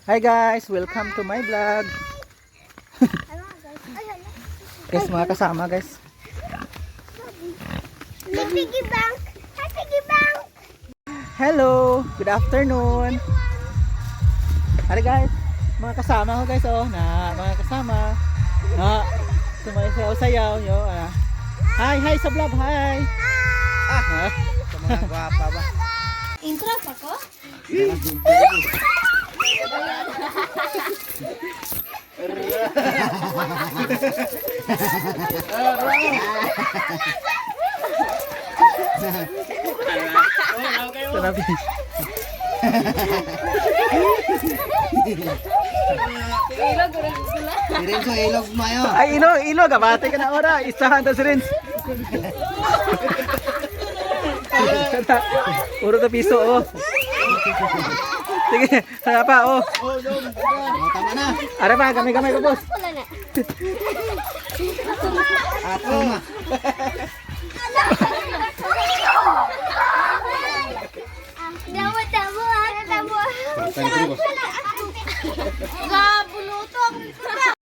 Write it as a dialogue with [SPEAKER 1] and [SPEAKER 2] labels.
[SPEAKER 1] Hi guys, welcome to my vlog. Guys, mga kasama guys.
[SPEAKER 2] Piggy bank! Hi, piggy bank!
[SPEAKER 1] Hello, good afternoon. Hi guys, mga kasama ko guys mga kasama. Sumayaw-sayaw nyo. Hi sa vlog, hi.
[SPEAKER 3] Sa mga gwapa ba?
[SPEAKER 2] Intro pa ko?
[SPEAKER 1] Sanabi.
[SPEAKER 3] Sirin so ilog mayo.
[SPEAKER 1] Ay, ilog, abate ka na ora. Isahan ta si Rins. Puro na piso, oh. Sige, sana pa, oh.
[SPEAKER 3] Tama na.
[SPEAKER 1] Ara pa, gamay-gamay ko, boss.
[SPEAKER 2] Wala na.
[SPEAKER 3] Ato na.
[SPEAKER 2] Tamo ah. Tamo.
[SPEAKER 3] Thank you, boss.
[SPEAKER 2] Gabuluto.